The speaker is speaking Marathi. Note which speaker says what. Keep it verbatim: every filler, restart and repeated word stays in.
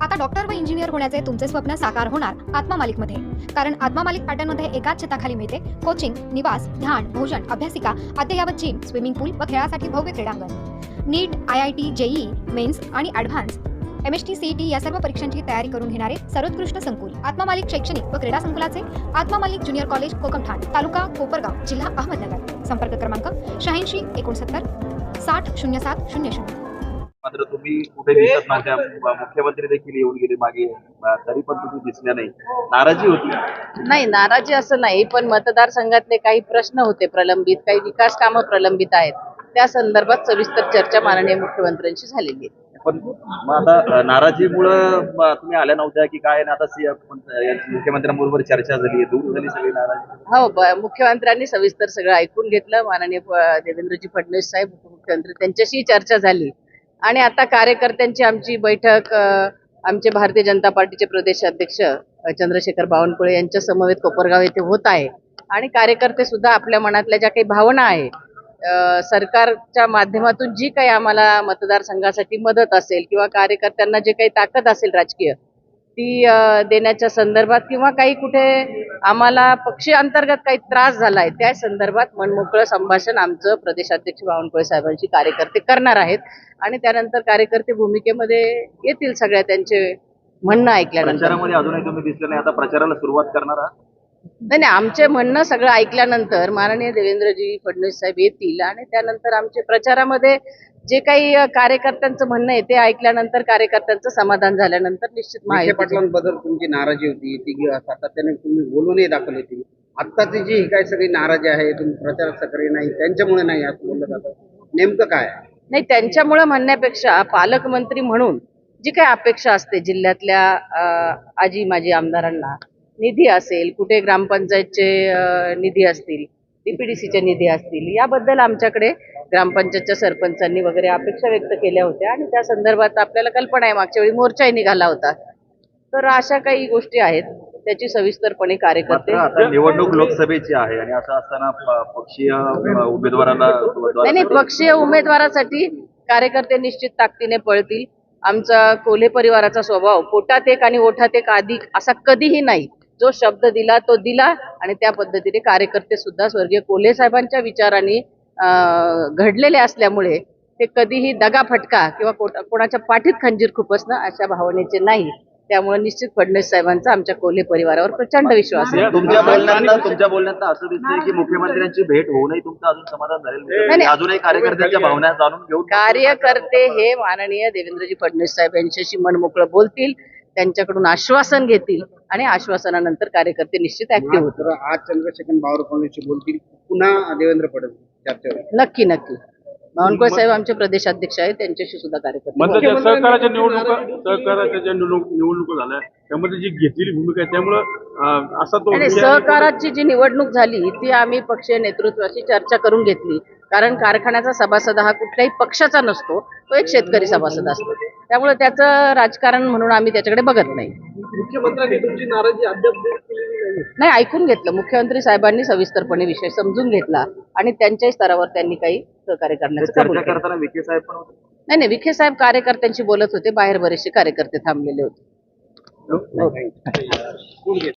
Speaker 1: आता डॉक्टर व इंजिनियर होण्याचे तुमचे स्वप्न साकार होणार आत्मा मालिकमध्ये. कारण आत्मा मालिक पॅटर्नमध्ये एकाच छताखाली मिळते कोचिंग, निवास, ध्यान, भोजन, अभ्यासिका, अद्ययावत जिम, स्विमिंग पूल व खेळासाठी भव्य क्रीडांगण. NEET, I I T, JEE, mains आणि advance M S T C E T या सर्व परीक्षांची तयारी करून घेणारे सर्वोत्कृष्ट संकुल आत्मा मालिक शैक्षणिक व क्रीडा संकुलाचे आत्मा मालिक ज्युनियर कॉलेज कोकमठाण, तालुका कोपरगाव, जिल्हा अहमदनगर. संपर्क क्रमांक शहाऐंशी एकोणसत्तर साठ शून्य सात शून्य शून्य.
Speaker 2: मात्र तुम्ही कुठे दिसत नव्हत्या, मुख्यमंत्री देखील येऊन गेले मागे, तरी पण तुम्ही दिसल्या नाही. नाराजी होती?
Speaker 3: नाही, नाराजी असं नाही, पण मतदारसंघातले काही प्रश्न होते प्रलंबित, काही विकास कामं प्रलंबित आहेत, त्या संदर्भात सविस्तर चर्चा माननीय मुख्यमंत्र्यांशी झालेली आहे.
Speaker 2: पण मग आता नाराजीमुळं तुम्ही आल्या नव्हत्या की काय? आता मुख्यमंत्र्यांबरोबर चर्चा झाली, दूर झाली सगळी नाराजी?
Speaker 3: हो, मुख्यमंत्र्यांनी सविस्तर सगळं ऐकून घेतलं. माननीय देवेंद्रजी फडणवीस साहेब उपमुख्यमंत्री त्यांच्याशी चर्चा झाली आणि आता कार्यकर्त्यांची आमची बैठक आमचे भारतीय जनता पार्टीचे प्रदेश अध्यक्ष चंद्रशेखर बावनकुळे यांच्या समवेत कोपरगाव येथे होत आहे. आणि कार्यकर्ते सुद्धा आपल्या मनातल्या ज्या काही भावना आहे, सरकारच्या माध्यमातून जी काही आम्हाला मतदारसंघासाठी मदत असेल किंवा कार्यकर्त्यांना जे काही ताकद असेल राजकीय ती देण्याच्या संदर्भात किंवा काही कुठे आम्हाला पक्षी अंतर्गत काही त्रास झालाय त्या संदर्भात मनमोकळं संभाषण आमचं प्रदेशाध्यक्ष बावनकुळे साहेबांशी कार्यकर्ते करणार आहेत. आणि त्यानंतर कार्यकर्ते भूमिकेमध्ये येतील, सगळ्या त्यांचे म्हणणं ऐकल्यानंतर.
Speaker 2: प्रचारामध्ये अजूनही तुम्ही दिसले नाही, आता प्रचाराला सुरुवात करणार आहात?
Speaker 3: नाही नाही, आमचे म्हणणं सगळं ऐकल्यानंतर माननीय देवेंद्रजी फडणवीस साहेब येतील आणि त्यानंतर आमचे प्रचारामध्ये जे काही कार्यकर्त्यांचं म्हणणं आहे ते ऐकल्यानंतर, कार्यकर्त्यांचं समाधान झाल्यानंतर निश्चित
Speaker 4: माहिती पाटलांबद्दल तुमची नाराजी होती, ती सातत्याने तुम्ही बोलूनही दाखवली होती. आत्ताची जी काय सगळी नाराजी आहे, तुम्ही प्रचारात सक्रिय नाही, त्यांच्यामुळे नाही असं बोललं जातं, नेमकं काय?
Speaker 3: नाही, त्यांच्यामुळे म्हणण्यापेक्षा पालकमंत्री म्हणून जी काही अपेक्षा असते जिल्ह्यातल्या आजी माजी आमदारांना, निधी असेल, कुठे ग्रामपंचायतचे निधी असतील, डीपीडीसीचे निधी असतील, याबद्दल आमच्याकडे ग्रामपंचायतच्या सरपंचांनी वगैरे अपेक्षा व्यक्त केल्या होत्या आणि त्या संदर्भात आपल्याला कल्पना आहे, मागच्या वेळी मोर्चाही निघाला होता. तर अशा काही गोष्टी आहेत, त्याची सविस्तरपणे कार्यकर्ते.
Speaker 2: आता निवडणूक लोकसभेची आहे आणि असं असताना पक्षीय उमेदवारांना
Speaker 3: नाही नाही पक्षीय उमेदवारासाठी कार्यकर्ते निश्चित ताकदीने पळतील. आमचा कोल्हे परिवाराचा स्वभाव पोटात एक आणि ओठात एक अधिक असा कधीही नाही. जो शब्द दिला तो दिला आणि त्या पद्धतीने कार्यकर्ते सुद्धा स्वर्गीय कोल्हे साहेबांच्या विचारांनी घडलेले असल्यामुळे ते कधीही दगा फटका किंवा कोणाच्या पाठीत खंजीर खुपसणं अशा भावनेचे नाही. त्यामुळे निश्चित फडणवीस साहेबांचा आमच्या कोल्हे परिवारावर प्रचंड विश्वास आहे.
Speaker 2: तुमच्या बोलण्यात तुमच्या बोलण्यात असं दिसतंय की मुख्यमंत्र्यांची भेट होऊनही तुमचं अजून समाधान झालेलं नाही, अजूनही कार्यकर्त्यांच्या भावना जाणून घेऊन
Speaker 3: कार्यकर्ते हे माननीय देवेंद्रजी फडणवीस साहेब यांच्याशी मनमोकळं बोलतील, त्यांच्याकडून आश्वासन घेतील आणि आश्वासनानंतर कार्यकर्ते निश्चित ऍक्टिव्ह होतील.
Speaker 4: आज चंद्रशेखर बावनकुळे बोलतील, पुन्हा देवेंद्र फडणवीस चर्चेवर?
Speaker 3: नक्की नक्की. बावनकुळे साहेब आमचे प्रदेशाध्यक्ष आहेत, त्यांच्याशी सुद्धा कार्यकर्ते.
Speaker 5: सहकाराच्या निवडणुका सहकाराच्या ज्या निवडणुका झाल्या त्यामध्ये जी घेतलेली भूमिका आहे त्यामुळं असा तो
Speaker 3: सहकाराची जी निवडणूक झाली ती आम्ही पक्षीय नेतृत्वाशी चर्चा करून घेतली. कारण कारखान्याचा सभासद हा कुठल्याही पक्षाचा नसतो, तो एक शेतकरी सभासद असतो. त्यामुळे त्याचं राजकारण म्हणून आम्ही त्याच्याकडे बघत नाही.
Speaker 5: मुख्यमंत्र्यांनी तुमची नाराजी अद्याप दूर केलेली नाही?
Speaker 3: नाही, ऐकून घेतलं. मुख्यमंत्री साहेबांनी सविस्तरपणे विषय समजून घेतला आणि त्यांच्याही स्तरावर त्यांनी काही सहकार्य करण्याचं कबूल केलं.
Speaker 2: करताना विखे साहेब पण होते?
Speaker 3: नाही नाही, विखे साहेब कार्यकर्त्यांशी बोलत होते, बाहेर बरेचसे कार्यकर्ते थांबलेले होते.